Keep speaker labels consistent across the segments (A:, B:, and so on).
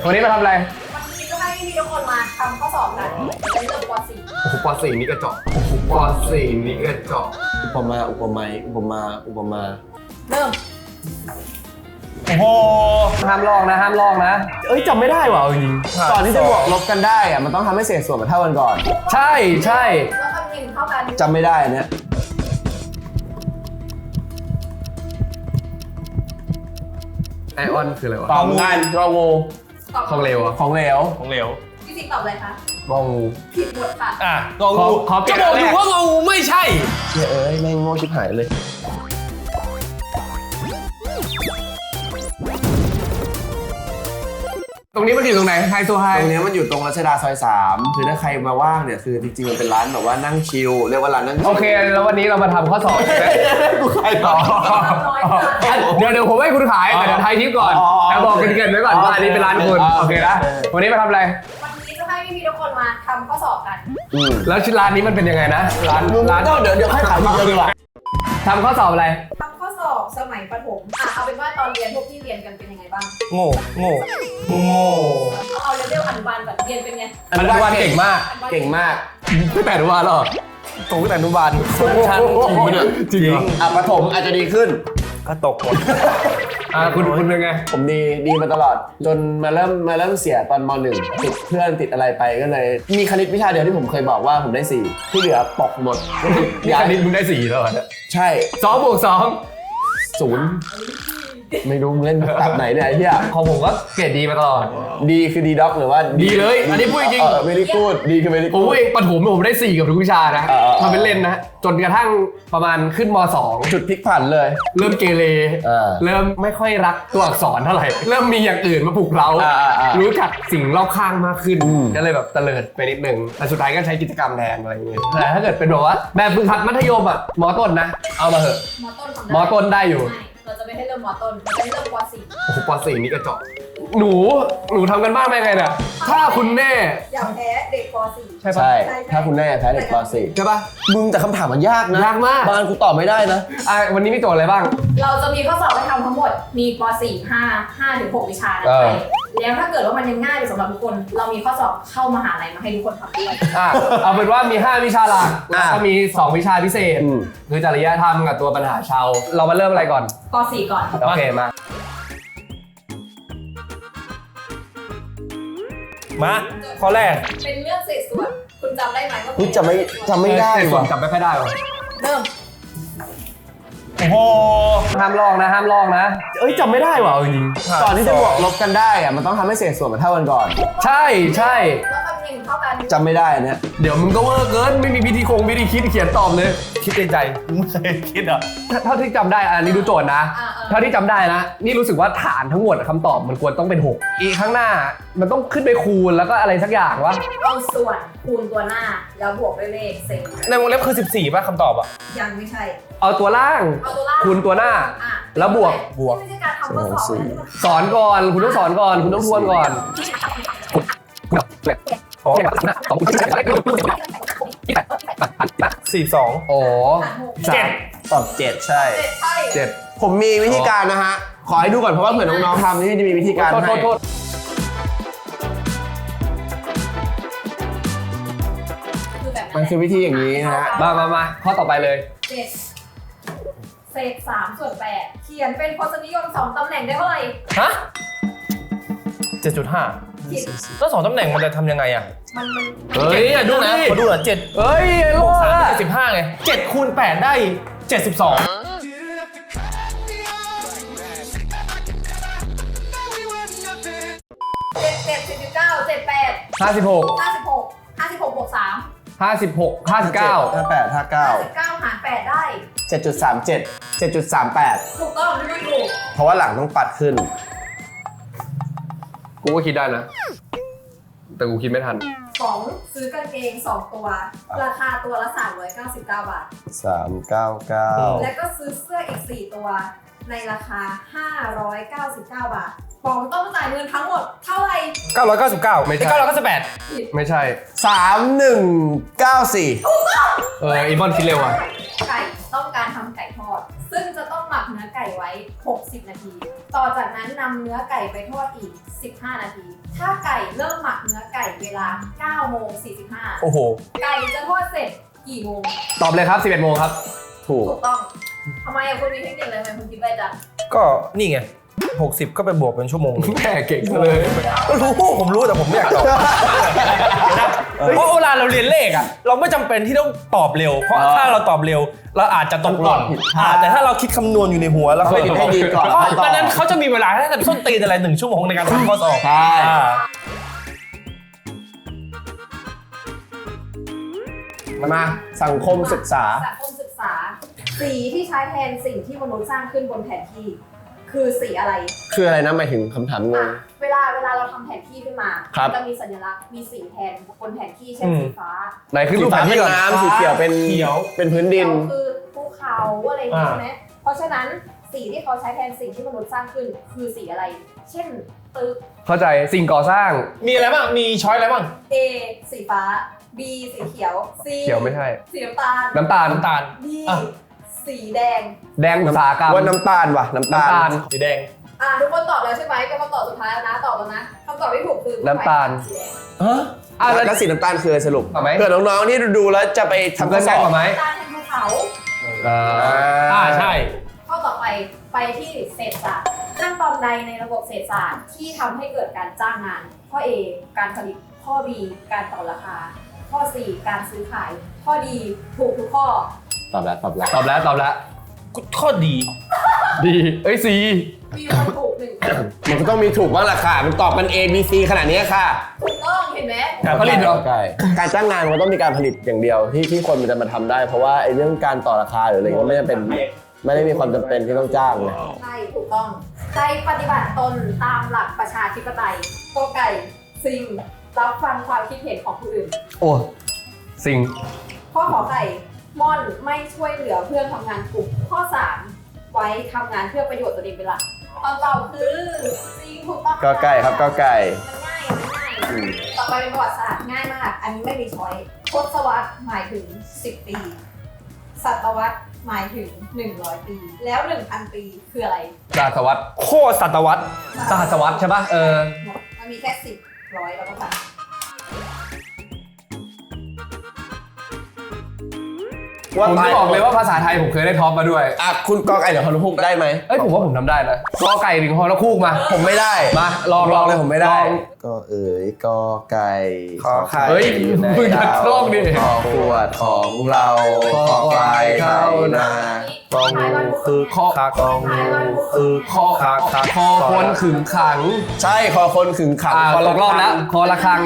A: วันนี้มาทำอะไร
B: วันนี้ก็ให้พี่ทุกคนมาทำข้อสอบกันเป็นเรื่องป .4
A: โอ้โหป .4 นี่กระจอกป .4 นี่กระจอก
C: อุปมา
B: เริ่ม
A: โอ้โหห้ามลอกนะห้ามลอกนะ
C: จำไม่ได้ว่ะจริงก่อนที่จะบวกลบกันได้อะมันต้องทำให้เศษส่วนมันเท่ากันก่อน
A: ใช่
B: แล้วทำจริงเท่ากัน
C: จำไม่ได้เนี่ย
A: ไอออนคืออะไรวะ
C: ของงานงองู
A: ของเหลวอะ
C: ของเหลว
B: พี่สิงตอบอะไรคะ
A: งองู
B: ผิดหมดค่ะ
A: งองู
C: ก็บอกอยู่ว่างองูไม่ใช่แม่งโง่ชิบหายเลย
A: ตรงนี้มันอยู่ตรงไหนไฮโซไฮ
C: ตรงนี้มันอยู่ตรงรัชดาซอย3คือถ้าใครมาว่างเนี่ยคือจริงๆมันเป็นร้านแบบว่านั่งชิลเรียกว่าร้านนั่งชิล
A: โอเคแล้ววันนี้เรามาทำข้อสอบใช่ไหม
C: กูขายต่อ
A: เดี๋ยวผมให้คุณขายแต่เดี๋ยวไทยทิปก่อนแต่บอกกันเกินไว้ก่อนว่าอันนี้เป็นร้านคุณโอเคนะวันนี้มาทำอะไร
B: วันนี้จะให้พี่ทุกคนมาทำข้อสอบกัน
A: แล้วชื่อร้านนี้มันเป็นยังไงนะร้าน
C: เดี๋ยวให้ขายทีเดียวดีกว่า
A: ทำข้อสอบอะไร
B: ทำข้อสอบสมัยประถมเอาเป็นว่าตอนเรียนพวกที่เรียนกันเป็นยังไงบ้าง
C: โง่
B: เอาเลเวลอนุบาลก่อนเรียนเป็นไง
A: อนุบาลเก่งมากตั้งแต่อนุบาลหรอ
C: ตรงตั้งแต่อนุบาล
A: ชั้นจริง
C: ประถมอาจจะดีขึ้น
A: ก็ตกหมดคุณเป็นไง
C: ผมดีมาตลอดจนมาเริ่มเสียตอนม.1ติดเพื่อนติดอะไรไปก็เลยมีคณิตวิชาเดียวที่ผมเคยบอกว่าผมได้4ที่เหลือตกหมด
A: คณิตมึงได้4แล้วเนี่ย
C: ใช่
A: 2 บวก 2
C: 0ไม่รู้มึงเล่นแบบไหนเนี่ยไอ้เหี้ย
A: ของผมก็เกรดดีมาตลอด
C: ดีคือดีด็อกหรือว่า
A: ดีเลยอันนี้พูดจริง
C: ไม่ได้พูดดีคือไม่ได้พูด
A: ประถมผมได้4กับทุกวิชานะทำเป็นเล่นนะจนกระทั่งประมาณขึ้นม.2
C: จุดพลิกผันเลย
A: เริ่มเกเรเริ่มไม่ค่อยรักตัวอักษรเท่าไหร่เริ่มมีอย่างอื่นมาปลุกเรารู้จักสิ่งรอบข้างมากขึ้นก็เลยแบบเตลิดไปนิดนึงแต่สุดท้ายก็ใช้กิจกรรมแทนอะไรอย่างเงี้ยแต่ถ้าเกิดเป็นแบบว่าแบบฝึกหัดมัธยมอ่ะม.ต้นนะเอามาเถอะม.ต้นได้อยู่
B: เราจะไม่ให้เริ่มม.ต้นเราจะให้เริ่มป .4
A: โอ้โหป .4 นี่กระจอกหนูทำกันบ้างไหมไงเนี่ยถ้าคุณแม่
B: อยากแพ้เด็กป .4
C: ใช่ถ้าคุณแม่แพ้เด็กป .4
A: ใช่ปะ
C: มึงแต่คำถามมันยากนะ
A: ยากมาก
C: บางกูตอบไม่ได้นะ
A: วันนี้มีโจทย์อะไรบ้าง
B: เราจะมีข้อสอบให้ทำทั้งหมดมีป .4 5 ถึง 6 วิชานะแล้วถ้าเกิดว่ามันยังง่ายไปสำหรับทุกคนเรามีข้อสอบเข้ามหาลัยมาให้ทุกคนทำด้วย
A: เอาเป็นว่ามี5วิชาหลักแล้วก็มี2วิชาพิเศษคือจริยธรรมกับตัวปัญหาชาวเรามาเริ่มอะไรก่อน
B: ป .4 ก่อน
A: โอเคมาข้อแรก
B: เป็นเรื่องเศษส่วนคุณจำได้ไหมว่า
C: คุณจำไม่ได้
A: ส่วนจำไม่ค่อยได้หรอ
B: เริ่ม
A: โอ้โหห้ามลอกนะ
C: จำไม่ได้ว่ะจริงก่อนที่จะบวกลบกันได้อะมันต้องทำให้เศษส่วนมันเท่ากันก่อน
A: ใช่
B: แล้วทำจริงเท่ากัน
C: จำไม่ได้เนี่ย
A: เดี๋ยวมึงก็เวอร์เกินไม่มีวิธีคิดเขียนตอบเลยคิดในใจไม่เคยคิดอ่ะเท่าที่จำได้อันนี้ดูโจทย์นะเท่าที่จำได้นะนี่รู้สึกว่าฐานทั้งหมดคำตอบมันควรต้องเป็น6อีกข้างหน้ามันต้องขึ้นไปคูณแล้วก็อะไรสักอย่างวะ
B: เอาส่วนคูณตัวหน้าแล้วบวกด้วยเลขเศษ
A: ในวงเล็บคือ14ป่ะคำตอบอ่ะ
B: ยังไม่ใช่
A: เอาตัวล่างคูณตัวหน้าแล้วบวก
B: ไม่ใช่การทำข้อสอบ
A: สอนก่อนคุณต้องสอนก่อนคุณต้องทวนก่อน42โอ้
C: ตอบ7ใช่
A: 7
C: ผมมีวิธีการนะฮะขอให้ดูก่อนเพราะว่าเผื่อน้องๆทำนี่จะมีวิธีการให้มันคือวิธีอย่างนี้นะฮะ
A: มาข้อต่อไปเลย
B: เศษ3 ส่วน 8เขียนเป็นพจนิยม2ตำแหน่งได้เท่าไหร่
A: ฮะ 7.5แล้ว2ตำแหน่งมันจะทำยังไงอ่ะเฮ้ยดูนะขอดูหน่อย7เฮ้ยโลก3 75ไง7คูณ8ได้7256
B: บวก3
A: 56 59
B: 59หาร8ได้
C: 7.38
B: ถูกต้องไม่ถูก
C: เพราะว่าหลังต้องปัดขึ้น
A: กูก็คิดได้นะแต่กูคิดไม่ทัน
B: 2ซื้อกางเกง2ตัวราคาตัวละ399 บาท
C: 399
B: แล้วก็ซื้อเสื้ออีก4ตัวในราคา599 บาทปองต้องจ่ายเงินทั้งหมดเท่าไหร่
A: 999ไม่ใช่998ไม่ใช่
C: 3194
A: อีบอนคิดเร็วอ่ะ
B: ไก่ต้องการทำไก่ทอดซึ่งจะต้องหมักเนื้อไก่ไว้60 นาทีต่อจากนั้นนำเนื้อไก่ไปทอดอีก 15 นาที ถ้าไก่เริ่มหมักเนื้อไก่เวลา 9 โมง 45
D: โอ้โห
B: ไก่จะทอดเสร็จกี่โมง
A: ตอบเลยครับ 11 โมงครับ
C: ถูก
B: ถูกต้องทำไมคุณมีเทคนิคอะไรทำไมคุณคิดได้จัง
D: ก็นี่ไง60ก็ไปบวกเป็นชั่วโมง
A: แม่เก่งเลย
D: ก็รู้ผมรู้แต่ผมไม่อยากตอบเพราะเวลาเราเรียนเลขอ่ะเราไม่จำเป็นที่ต้องตอบเร็วเพราะถ้าเราตอบเร็วเราอาจจะตกหล่นแต่ถ้าเราคิดคำนวณอยู่ในหัวแล้ว
C: ให้ดีก่อน
D: เพราะดังนั้นเขาจะมีเวลาให้แต่ส้นตีนอะไร1 ชั่วโมงในการทำข้อสอบ
C: ใช่ มาสังคมศึกษา
B: สังคมศึกษา สีที่ใช้แทนสิ่งที่มนุษย์สร้างขึ้นบนแผนที่ คือสีอะไร
C: คืออะไรนะหมายถึงคำถามงง
B: เวลาเราทำแผนที่ขึ้นมา
C: ครับ
B: จะมีสัญลักษณ์มีสีแทนบนแผนที่เช่นสีฟ้า
A: ไหนขึ้น
C: สี
A: รูปแผ
C: ฟ้าน เป็
A: ที่
C: น
A: ก่อน
C: น้ำสีเขียวเป็น
D: เขียว
C: เป็นพื้นดิน
B: เขาคือภูเขาอะไรอย่างนี้ใช่ไหมเพราะฉะนั้นสีที่เขาใช้แทนสิ่งที่มนุษย์สร้างขึ้นคือสีอะไร เช่นตึก
A: เข้าใจสิ่งก่อสร้าง
D: มีอะไรบ้างมีช้อยอะไรบ้าง
B: A สีฟ้า B สีเขียว C
A: เขียวไม่ใช่
B: สีน้ำตาล
A: น้ำตาล
D: น้ำตาล
B: D
D: อ่ะ
B: สีแดง
A: แดงอุตสาหกรรม
C: ว่าน้ำตาลว่ะน้ำตา
A: น้ำตา
C: ล
A: ล
D: สีแดง
B: ทุกคนตอบแล้วใช่ไหมก็มาตอบสุดท้ายแล้วนะตอบแล้วนะคำตอบที่ถูกคือ
A: น้ำตาล
B: สีแดง
C: ฮะแล้วสีน้ำตาลคืออะไรสรุป
A: เอาไหม
C: เผื่อน้องๆที่ดูแล้วจะไปทำ
A: เพื่
C: ข้
A: อ
C: อน ส
A: แจ้
C: อง บ
A: มาไหม
B: น้ำตาลเป็นภูเขา
D: ใช่
B: ข้อต่อไปที่เศรษฐศาสตร์ขั้นตอนใดในระบบเศรษฐศาสตร์ที่ทำให้เกิดการจ้างงาน ข้อ A การผลิตข้อ B การต่อราคา ข้อ C การซื้อขาย ข้อ D ถูกทุกข้อ
C: ตอบแล้ว
A: ตอบแล้ว
D: ข้อดี
A: ดีเอ้ย C
B: มีคนถูกหนึ่งคน
C: มันก็ต้องมีถูกบ้างล่ะค่ะ มันตอบกัน A B C ขนาดนี้ค่ะ
B: ถูกต้องเห็นไหม
A: การผลิตเหรอ
C: ใช่การจ้างงานมันต้องมีการผลิตอย่างเดียวที่คนมันจะมาทำได้ เพราะว่าไอ้เรื่องการต่อราคาหรืออะไรก็ไม่จำเป็นไม่ได้มีความจำเป็นที่ต้องจ้างเลย
B: ใช่ถูกต้องใช้ปฏิบัติตนตามหลักประชาธิปไตยกอไก่สิ่งรับฟังความคิดเห็นของผู้อื่น
A: โอ้สิ่ง
B: ข้อขอไข่ม่อนไม่ช่วยเหลือเพื่อนทำงานกลุ่มข้อ 3 ไว้ทำงานเพื่อประโยชน์ตัวเองเป็นหลักคำตอบคือจริงถูกต้อง
C: ก็ไก่ครับก็ไก่
B: มันง่ายต่อไปเป็นประวัติศาสตร์ง่ายมาก อันนี้ไม่มีช้อยทศวรรษหมายถึง 10 ปี ศตวรรษหมายถึง 100 ปี แล้ว 1,000 ปีคืออะไร
A: ศาสตวรรษ
D: โคตรศตวรรษ
A: สหัสวรรษใช่ป่ะ
B: มันมีแค่ 10 100 แล้วก็พัน
A: ผมจะบอกเลยว่าภาษาไทยผมเคยได้ท็อปมาด้วย
C: คุณกอไก่เดี๋ยวฮอนุพุกได้ไหม
A: เอ้ยผมว่าผมทำได้นะกอไก่ถึงฮอแล้วคู่มา
C: ผมไม่ได้
A: มาลอง
C: เลยผมไม่ได้
A: ลอง
C: ก็กอไก่
D: ขอไข่
A: เฮ้ยมึงจะลองดิ
C: ขอขวดของเราขอควายเข้านา
D: กองงูคือข้อคากองงูคือข้อคาคา
A: คอคนขึงขัง
C: ใช่คอคนขึงขัง
A: ตกรอบแล้วคอระฆัง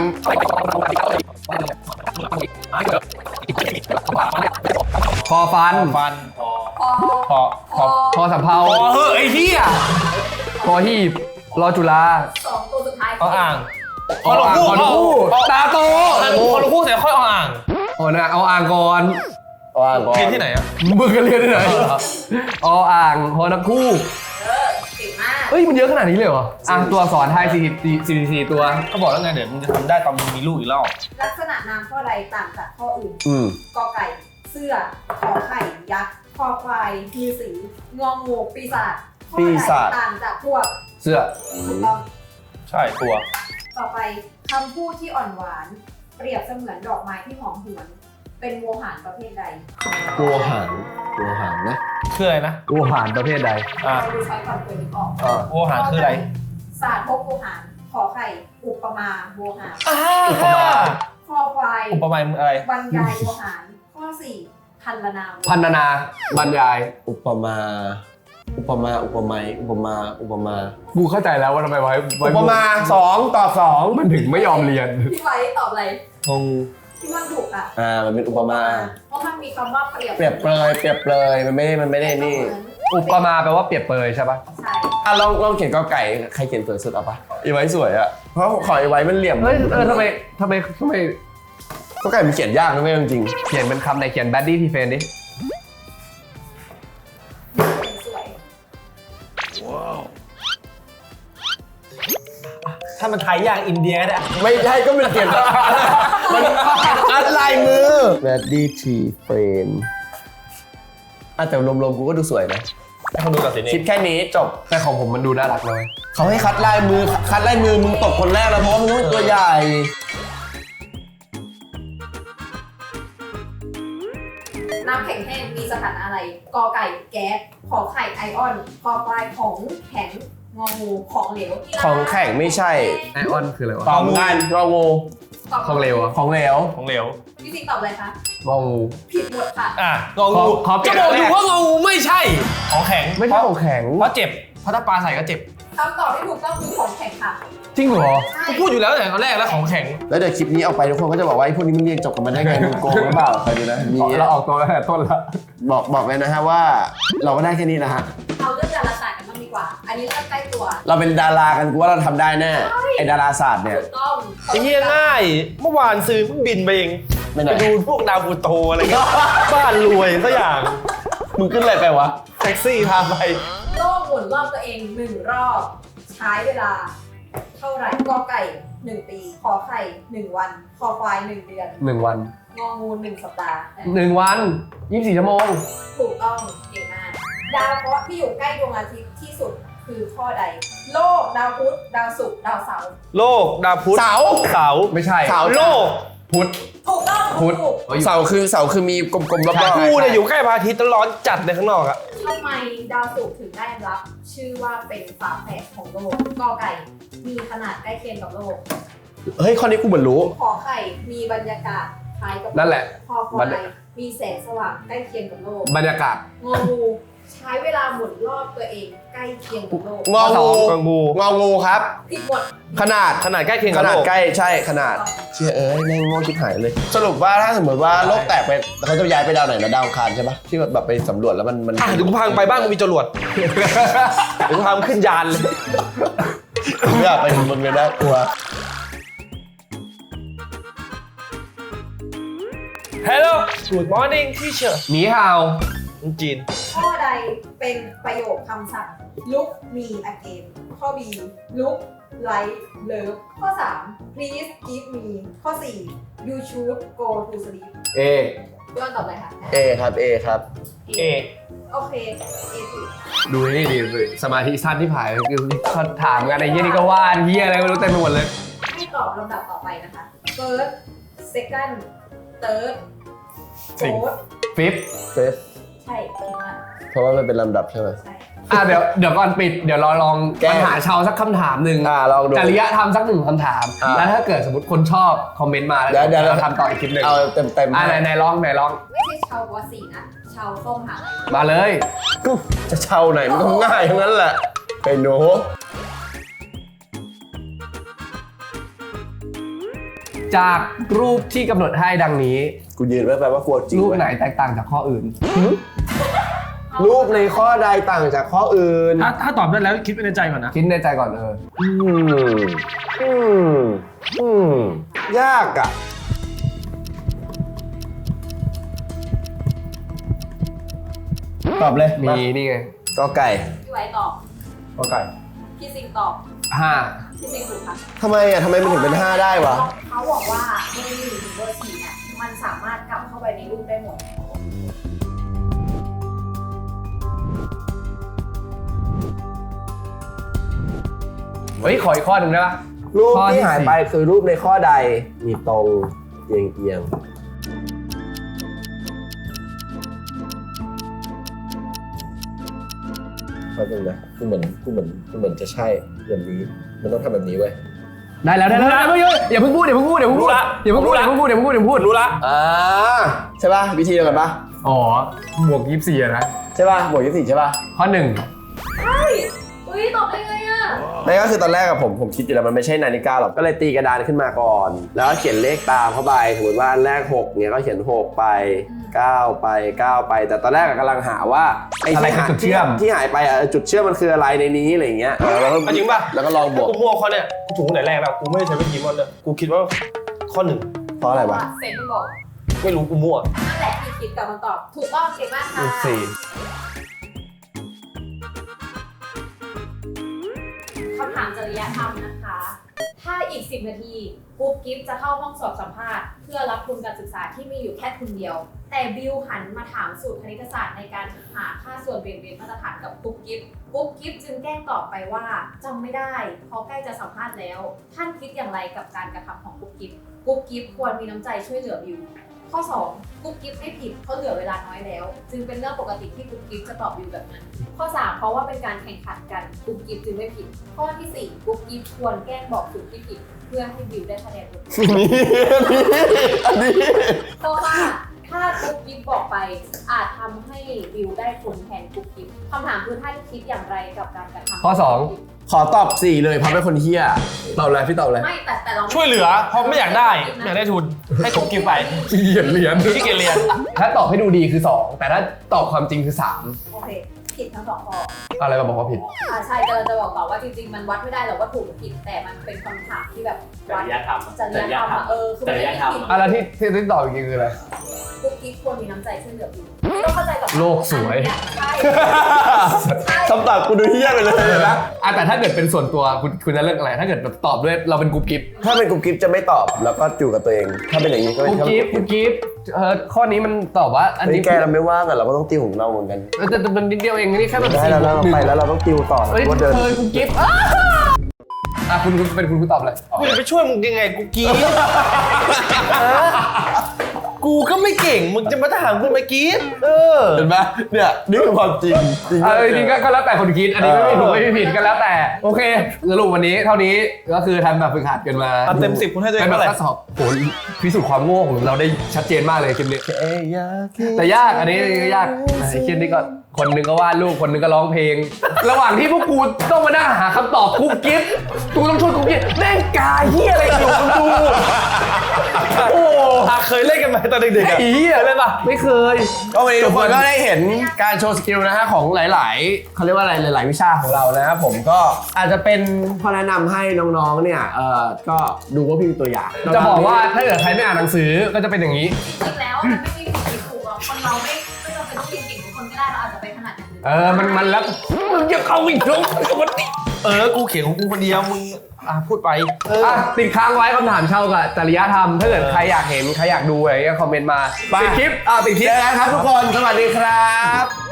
A: คอฟัน
D: ฟัน
B: พอ
D: พอพอ
A: คอสำเภา
D: พอเฮ้ยไอ้เหี้ย
A: คอหีบรอจุฬา
B: 2 ตัวสุดท้าย
D: เอาอ่าง
A: คอคู่ตาโต
D: พอเราพูดเสร็จค่อยเอาอ่าง
A: เอาอ่างก่อน
C: ว่าก่อน
D: เรียนที่ไหนอ่ะ
A: มึงกันเรียนที่ไหนเอาอ่างฮอนักคู่
B: เก่งมาก
A: เฮ้ยมันเยอะขนาดนี้เลยเหรอตัวอักษรไทย44ตัว
D: ก็บอกแล้วไงเดี๋ยวมึงจะทำได้ตอนมึงมีลูกอีกรอบ
B: ลักษณะนามข้อใดต่างจากข้ออื่น
C: ม
B: กอไก่ เสื้อ ขอไข่ ยักษ์ คอควายมีสีงองูปีศาจข้อใดต่างจากพวก
A: เสื้อ
B: ถูกต้อง
D: ใช่ตัว
B: ต่อไปคำพูดที่อ่อนหวาน เปรียบเสมือนดอกไม้ที่หอมหวน เป็นโวหารประเภทใด
C: โวหารนะ
D: คืออะไรนะ
A: กูหารประเภทใด
B: เราดูใช้ก่อนเปิดนึกออก
D: โวหารคืออะไร
B: ศาสตร์พบโวหาร ขอไข่ อุปมาโวหาร
D: อุปมา
B: คอควาย
D: อุปมาอะไร
B: บรรยายโวหาร ข้อ 4 พันลนาโวหาร
A: พันนาบรรยาย
C: อุปมา อุปไมย
A: กูเข้าใจแล้วว่าทำไมไว้
C: อุปมา2 ตอบ 2
A: มันถึงไม่ยอมเรียน
B: พี่ไว้ตอบอะไร
C: งง
B: ที่มันถูกอ่ะ
C: มันเป็นอุปมา
B: เพราะมันมีคำว่าเปรียบ
C: เปรียบเปรยมันไม่ได้นี่
A: อุปมาแปลว่าเปรียบเปรยใช่ปะ
B: ใช่
C: ลองเขียนกอไก่ใครเขียนสวยสุดเอาปะอีไว้สวยอะเพราะขออีไว้มันเหลี่ยม
A: เฮ้ยทำไม
C: กอไก่มันเขียนยากนะไม่จริง
A: เขียนเป็นคำไหนเขียน baddie p f r i e n d ดิ
B: สวย
D: ถ้ามันไทยอย่างอินเดียก็ได้
C: ไม่ใช่ก็มันเขียนมันอัดลายมือ Ready to friend แต่รวมๆกูก็ดูสวยนะ
D: ให้คนดูตัดสินเอ
C: คิด
D: ง
C: แค่นี้จบ
A: แต่ของผมมันดูน่ารักเลย
C: เขาให้คัดลายมือมึงตกคนแรกแล้วเพราะว่ามึงเป็นตัวใหญ่
B: น้ำแข็งแห้งมีสถานะอะไรกอไก่แก๊สขอไข่ไอออนคอควายของแข็งงองูของเหลว
C: ของแข็งไม่ใช่
A: ไอออนคืออะไรวะ
C: ตอบกันงองู
B: ตอบ
A: ของเหลวอะ
C: ของเหลว
D: ของเหลว
B: พี่สิงตอบอะไรคะ
A: งองู
B: ผิดหมดค่ะ
D: งองู
A: ขอเปลี่
D: จะ
A: ยน
D: บอก
A: แรก
D: อยู่ว่างองูไม่ใช่ของแข็ง
A: ไม่ใช่ของแข็ง
D: เพราะเจ็บเพราะถ้าปลาใส่ก็เจ็บ
B: คำตอบที่ถูกต้องคือของแข็งค่ะ
A: จริงเหรอ
B: ใช่
D: กูพูดอยู่แล้วแต่ตอนแรกแล้วของแข็ง
C: แล้วเดี๋ยวคลิปนี้ออกไปทุกคนก็จะบอกว่าไอ้พวกนี้มึงเรียนจบกันมาได้ไงมึงโกงหรือเปล่าใครดูนะมี
A: เราออกตัวตั้งแต่ต้นแล้ว
C: บอกเลยนะฮะว่าเราก็ได้แค่นี้นะฮะ
B: เอาเรื่องดาราศาสตร์กันบ้างดีกว่า อันนี้เริ่มใกล้ตัว
C: เราเป็นดารากันกูว่าเราทำได้แน่ไอ้ดาราศาสตร์เนี่ย
B: ถูกต้อง
D: ไอ้เหี้ยง่ายเมื่อวานซื้อเพิ่งบินไปเอง
C: ไม่ไหน
D: ไปดูพวกดาวพูโตอะไรเงี้ยบ้านรวยสักอย่าง
C: มึงขึ้นอะไรไปวะ
D: แท็กซี่พาไป
B: โลกหมุนรอบตัวเอง1 รอบ ใช้เวลา เท่าไหร่กอไก่ 1 ปีขอไข่ 1 วันคอควาย 1 เดือน
A: 1 วัน
B: งองู 1 สัปดาห์
A: 1 วัน 24 ชั่วโมง
B: ถูกต้องเก่งมากดาวเคราะห์ที่อยู่ใกล้ดวงอาทิตย์ที่สุดคือข้อใด โลกดาวพุธดาวศุกร์ดาวเสาร์
D: โลกดาวพุธ
C: เสา
D: เสา
A: ไม่ใช่
C: เสา
D: โลก
A: พุธ
B: ถูกต้อง
A: พุธ
B: ถูก
C: เสาคือมีกลมๆรอบ
D: กูเนี่ยอยู่ใกล้พระอาทิตย์แล้วร้อนจัดเลยข้างนอกอะ
B: ทำไมดาวศุกร์ถึงได้รับ ชื่อว่าเป็นฝาแฝดของโลกกอไก่มีขนาดใกล้เคียงกับโลก
C: ๆเฮ้ยข้อนี้กูเหมือนรู้
B: ขอไข่มีบรรยากาศคล้ายกับโก
A: นั่นแหละ
B: คอควายมีแสงสว่างใกล้เคียงกับโลก
A: บรรยากาศ
B: งองูใช้เวลาหมุนรอบตัวเองใกล้เคียงกับโลก
C: งองู
D: กองงู
C: งองูครับ
B: ผิดหมด
C: ขนาด
D: ขนาดใกล้เคียง
C: ข
D: กับ
C: นา
D: โล
C: ด
D: ก
C: ใกล้ใช่ขนาดเชื่อแม่งโง่ชิบหายเลย สรุปว่าถ้าสมมติว่าโลกแตกไปเขาจะย้ายไปดาวไหนนะดาวอังคารใช่ปะที่แบบไปสำรวจแล้วมัน
D: อ่ะเดี๋ยวกูพังไปบ้างกูมีจรวดเดี๋ยวกูพามึงขึ้นยานเลย
C: ไม่อยากไปมึงเลยนะกลัว
D: Hello Good morning teacher
A: หนีห่าว
D: จีน
B: ข้อใดเป็นประโยคคำสั่ง look me again ข้อ B look like love ข้อ 3 please give me ข้อ 4 you should go to sleep
C: เอ
B: ย้อนตอบเลยค่ะ
C: เอครับเอครับ
D: เอ
B: โอเค A ถูก
A: ดูนี่ดิสมาธิสั้นที่ผ่านคือเขาถามกันไอ้เหี้ยนี่ก็ว่าเหี้ยอะไรไม่รู้เต็มไปหมดเลย
B: ให้ตอบลำดับต่อไปนะคะ first second third fourth
A: ฟิป
C: เฟส
B: ใช่คิดว่า
C: เพราะว่ามันเป็นลำดับใช่ไหม
B: ใช่
A: เดี๋ยวก่อนปิดเดี๋ยวเราลอง
C: แก้
A: ปัญหาชาวสักคำถามหนึ่ง
C: ลองดู
A: จริยธรรมสัก1 คำถาม แล้วถ้าเกิดสมมติคนชอบคอมเมนต์มาแล้ว
C: เดี๋ยว
A: เราทำต่ออีกคลิปหนึ่ง
C: เอาเต็ม
A: ไหนลอง
B: ไม่ใช่ชาววสีนะ ชาวส้มหาอะไร
A: มาเลย
C: กูจะเช่าไหนมันก็ง่ายทั้งนั้นแหละไอ้หนู
A: จากรูปที่กำหนดให้ดังนี้
C: กูยืนไว้แปลว่ากลัวจริง
A: รูป
C: เว้ย
A: ไหนแตกต่างจากข้ออื่น
C: รูปในข้อใดต่างจากข้ออื่น
D: ถ้าตอบได้แล้วคิดไว้ในใจก่อนนะ
A: คิดในใจก่อน
C: ยากอ่ะตอบเลย
A: มีนี่ไง
C: กอไก่
B: พี่ไว้ตอบ
A: ข้อไก่
B: พี่ซิงตอบ
A: 5
B: พี่ซิงถูกค่ะ
C: ทำไมมันถึงเป็น 5 ได้วะ
B: เขาบอกว่าเบอร์ 1 ถึงเบอร์ 4เนี่ยมันสามารถกลับเข้าไปในรูปได้หมด
A: เฮ้ยขออีกข้อหนึ่งได้ปะ
C: รูป
A: ข้อที่
C: ที่หายไปคือรูปในข้อใด มีตรงเอียงแป๊บนึงนะกูเหมือนจะใช่แบบนี้ มันต้องทำแบบนี้เว้ย
A: ได้แล้วอย่าเพิ่งพูดอย่าเพิ่งพูดอย่าเพิ่งพูดอย่าเพิ่งพูดอย่าเพิ่งพูดอย่าเพิ่งพูดอย่าเพิ่งพูด
D: รู้ละ
C: ใช่ป่ะวิธีเดียวกันป่ะ
A: อ๋อบวก24อะนะ
C: ใช่ป่ะบวก24ใช่ป่ะ
A: ข้อ 1
B: เฮ้ยอุ้ยตอบได้ไงอ่ะ
C: นั่นก็คือตอนแรกอะผมคิดอยู่แล้วมันไม่ใช่นาฬิกาหรอกก็เลยตีกระดานขึ้นมาก่อน แล้วก็เขียนเลขตามเข้าไปสมมติว่าอันแรก6เนี่ยก็เขียน6ไป9ไป9ไปแต่ตอนแรกกำลังหาว่าไอ้
A: อะไรคือจุดเชื่อม
C: ที่หายไปอะจุดเชื่อมมันคืออะไรในนี้อะไรอย่างเงี้ยแล้วก็
D: จริงป่ะ
C: แล้วก็ลองบวก
D: กูมั่วข้อเนี้ยกูถูกตั้งแต่แรกแล้วกูไม่ได้ใช้วิธีมั่วเลยกูคิดว่าข้อ 1
C: เพราะอะไรวะ
B: เซนมันบอก
D: ไม่รู้กูมั่ว
B: นั่นแหละที่คิดกับมันตอบ ถูกต้องเก่งมากค่ะ
A: 4
B: คำถามจริยธรรมนะคะถ้าอีก 10 นาทีกุ๊บกิ๊บจะเข้าห้องสอบสัมภาษณ์เพื่อรับทุนการศึกษาที่มีอยู่แค่ทุนเดียว แต่บิวหันมาถามสูตรคณิตศาสตร์ในการหาค่าส่วนเบี่ยงเบนมาตรฐานกับกุ๊บกิ๊บจึงแกล้งตอบไปว่าจำไม่ได้เพราะใกล้จะสัมภาษณ์แล้ว ท่านคิดอย่างไรกับการกระทำของกุ๊บกิ๊บควรมีน้ำใจช่วยเหลือบิว ข้อ 2 กุ๊บกิ๊บไม่ผิดเพราะเหลือเวลาน้อยแล้ว จึงเป็นเรื่องปกติที่กุ๊บกิ๊บจะตอบบิวแบบนั้น ข้อ 3 เพราะว่าเป็นการแข่งขันกันกุ๊บกิ๊บจึงไม่ผิด ข้อที่ 4 กุ๊บกิ๊บควรแกล้งบอกสูตรที่ผิดเพื่อให้บิวได้คะแนนลด เพราะว่าถ้ากุ๊บกิ๊บบอกไปอาจทำให้บิวได้ผลแทนกุ๊บกิ๊บคำถามคือท่านคิดอย่างไรกับการกระทำ
A: ข้อ
C: ขอตอบ4เลยเพราะเป็นคนเฮี้ยตอบเลยพี่ตอบเลย
B: ไม่แต่เรา
D: ช่วยเหลือเพราะไม่อยากได้ไม่อยากได้ทุนให้กุ๊บกิ๊บไป
A: ขี้เกียจเรียน
D: ที่เกียจเรียน
A: ถ้าตอบให้ดูดีคือ 2 แต่ถ้าตอบความจริงคือ
B: โอเคผิดทั้งสองข้อ
A: 3 อะไรมาบอกว่าผิด
B: ใช่จะบอกต่อว่าจริงๆมันวัดไม่ได้หรอกว่าถูกหรือผิดแต่มันเป็นคำถามที่แบบ
E: จริยธรรม
B: จริยธรรมคือมันไม่ได้ผิด
A: อะไรที่ตอบจริงคืออะไร
B: กุ๊กกิ๊บควรมีน้ำใจช่วยเหลือบิวต้องเข้าใจกับ
A: โลกสวย
B: ใช่
C: คำตอบกูดูเฮี้ยไปเลย
A: นะแต่ถ้าเกิดเป็นส่วนตัวคุณจะเลือกอะไร ถ้าเกิดแบบตอบด้วยเราเป็นกรุ๊ปกิ๊บ
C: ถ้าเป็นกรุ๊ปกิ๊บจะไม่ตอบแล้วก็อยู่กับตัวเอง ถ้าเป็นอย่างนี้ก็
A: กรุ๊ปกิ๊บข้อนี้มันตอบว่าอัน
C: นี่
A: นี้
C: แกเราไม่ว่างอ่ะเราก็ต้องติวของเราเหมือนกัน
A: แต่มันนิดเดียวเองนี่แค่แบบ
C: ได้แล้วเราไปแล้วเราต้องติวต่อ
A: เฮ้ย
C: ว่าเดิน
A: เคยกรุ๊ปกิ๊บคุณเป็นคุณตอบเลย
D: กูจะไปช่วยมึงยังไงกูกรี๊ดกูก็ไม่เก่งมึงจะมาถามกูมากรี๊ด
C: เห็นไหมเนี่ยนี่คือความจริงจริง
A: จริงก็แล้วแต่คนคิด อันนี้ไม่ถูกไม่ผิดก็แล้วแต่ โอเคสรุปวันนี้เท่านี้ก็คือทำแบบฝึกหัดกันมา
D: เต็ม10คุณให้ตัวเอ
A: เป็
D: ง
A: นแบ
D: เท่าไหร่
A: บข้อสอบโหพิสูจน์ความโง่ของเราได้ชัดเจนมากเลยคลิปนี้ แต่ยากอันนี้ยากไอ้คลิปนี้ก็คนหนึงก็วาดรูปคนหนึงก็ร้องเพลง ระหว่างที่พวกกูต้องมานั่งหาคำตอบกุ๊กกิ๊บกูต้องช่วยกุ๊กกิ๊บแม่งกาเฮียอะไรอยู่มึงดูโอ้
D: เคยเล่นกันไหมตอนเด็กๆอะ
A: ไอ้เหี้ย
D: เคยเล่นปะ
A: ไม่เคย
C: ก็วันนี้ทุกคนก็ได้เห็นการโชว์สกิลนะฮะของหลายๆเขาเรียกว่าอะไรหลายๆวิชาของเรานะครับผมก็อาจจะเป็นข้อแนะนำให้น้องๆเนี่ยก็ดูว่าพี่มีตัวอย่าง
A: จะบอกว่าถ้าเกิดใครไม่อ่านหนังสือก็จะเป็นอย่างนี้
B: จริงๆแล้วมันไม่มีผิดถูกหรอกคนเราไม่จำเป็นต้องเรียนเก่งทุกคนก็ได้เราอาจจะไปถนัดอย่างอื่น
A: มันแล้วมึงจะเข้าอีกแล้วมันติด
D: กูเขียนของกูคนเดียวมึงพูดไป
A: ติดค้างไว้คำถามเช่ากับจริยธรรมถ้าเกิดใครอยากเห็นใครอยากดูอะไรก็คอมเมนต์มาติดคลิปติดคลิป
C: เจอกันครับทุกคนสวัสดีครับ